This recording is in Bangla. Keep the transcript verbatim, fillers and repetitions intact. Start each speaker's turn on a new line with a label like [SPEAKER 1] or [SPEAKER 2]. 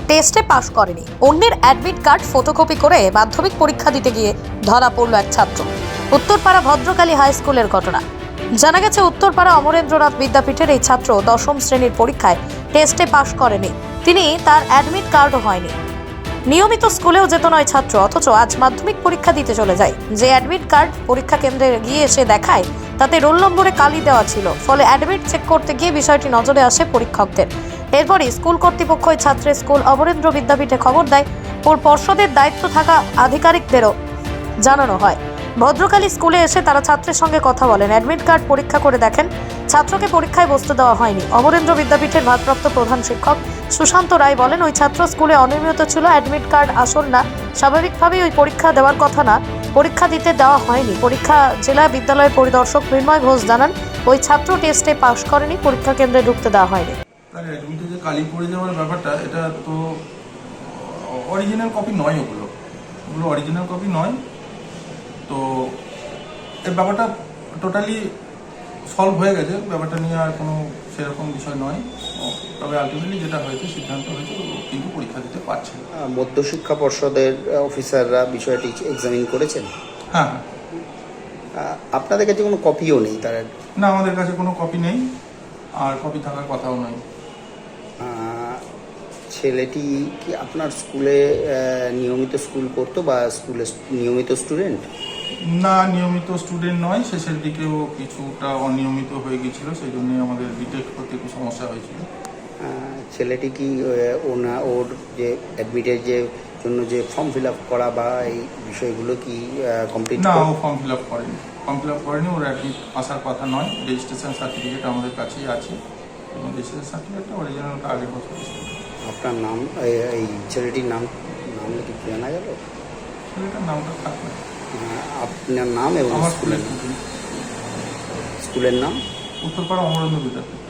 [SPEAKER 1] টেস্টে পাশ করেনি। অন্যের অ্যাডমিট কার্ড ফটোকপি করে মাধ্যমিক পরীক্ষা দিতে গিয়ে ধরা পড়ল এক ছাত্র। উত্তরপাড়া ভদ্রকালী হাই স্কুলের ঘটনা। জানা গেছে, উত্তরপাড়া অমরেন্দ্রনাথ বিদ্যাপীঠের এই ছাত্র দশম শ্রেণীর পরীক্ষায় টেস্টে পাশ করেনি। তিনি তার অ্যাডমিট কার্ডও হয়নি। নিয়মিত স্কুলেও যেত নয় ছাত্র, অথচ আজ মাধ্যমিক পরীক্ষা দিতে চলে যায়। যে অ্যাডমিট কার্ড পরীক্ষা কেন্দ্রে গিয়ে এসে দেখায় তাতে রোল নম্বরে কালি দেওয়া ছিল। ফলে অ্যাডমিট চেক করতে গিয়ে বিষয়টি নজরে আসে পরীক্ষকদের। এরপরই স্কুল কর্তৃপক্ষ ওই ছাত্রের স্কুল অমরেন্দ্র বিদ্যাপীঠে খবর দেয় ও পর্ষদের দায়িত্ব থাকা আধিকারিকদেরও জানানো হয়। ভদ্রকালী স্কুলে এসে তারা ছাত্রের সঙ্গে কথা বলেন, অ্যাডমিট কার্ড পরীক্ষা করে দেখেন ছাত্রকে পরীক্ষায় বসতে দেওয়া হয়নি। অমরেন্দ্র বিদ্যাপীঠের ভারপ্রাপ্ত প্রধান শিক্ষক সুশান্ত রায় বলেন, ওই ছাত্র স্কুলে অনিয়মিত ছিল, অ্যাডমিট কার্ড আসল না, স্বাভাবিকভাবেই ওই পরীক্ষা দেওয়ার কথা না, পরীক্ষা দিতে দেওয়া হয়নি। পরীক্ষা জেলা বিদ্যালয়ের পরিদর্শক মৃন্ময় ঘোষ জানান, ওই ছাত্র টেস্টে পাশ করেনি, পরীক্ষা কেন্দ্রে ঢুকতে দেওয়া হয়নি।
[SPEAKER 2] তার অ্যাডমিটে যে কালি পড়ে যাওয়ার ব্যাপারটা, এটা তো অরিজিনাল কপি নয়, ওগুলো ওগুলো অরিজিনাল কপি নয়। তো এই ব্যাপারটা টোটালি সলভ হয়ে গেছে, ব্যাপারটা নিয়ে আর কোনো সেরকম বিষয় নয়। তবে আলটিমেটলি যেটা হয়েছে, সিদ্ধান্ত হয়েছে, কিন্তু পরীক্ষা দিতে পারছে না।
[SPEAKER 3] মধ্যশিক্ষা পর্ষদের অফিসাররা বিষয়টি এক্সামিন করেছেন?
[SPEAKER 2] হ্যাঁ।
[SPEAKER 3] আপনাদের কাছে কোনো কপিও নেই তার?
[SPEAKER 2] না, আমাদের কাছে কোনো কপি নেই, আর কপি থাকার কথাও নয়।
[SPEAKER 3] ছেলেটি কি আপনার স্কুলে নিয়মিত স্কুল করতো বা স্কুলে নিয়মিত স্টুডেন্ট?
[SPEAKER 2] না, নিয়মিত স্টুডেন্ট নয়, শেষের দিকেও কিছুটা অনিয়মিত হয়ে গিয়েছিল, সেই জন্যই আমাদের ডিটেক্ট করতে একটু সমস্যা হয়েছিল।
[SPEAKER 3] ছেলেটি কি ওনা ওর যে অ্যাডমিটের যে জন্য যে ফর্ম ফিল আপ করা বা এই বিষয়গুলো কি কমপ্লিট?
[SPEAKER 2] না, ও ফর্ম ফিল আপ করেনি ফর্ম ফিল আপ করেনি ওর অ্যাডমিট আসার কথা নয়। রেজিস্ট্রেশন সার্টিফিকেট আমাদের কাছেই আছে, এবং রেজিস্ট্রেশন সার্টিফিকেটটা অরিজিনালটা আগের বছর।
[SPEAKER 3] আপনার নাম, এই ছেলেটির নাম নাম কি জানা গেল?
[SPEAKER 2] ছেলেটার নামটা থাকবে।
[SPEAKER 3] আপনার নাম এবং
[SPEAKER 2] আমার
[SPEAKER 3] স্কুলের
[SPEAKER 2] স্কুলের
[SPEAKER 3] স্কুলের নাম?
[SPEAKER 2] উত্তরপাড়া অমরেন্দ্র বিদ্যাপীঠ।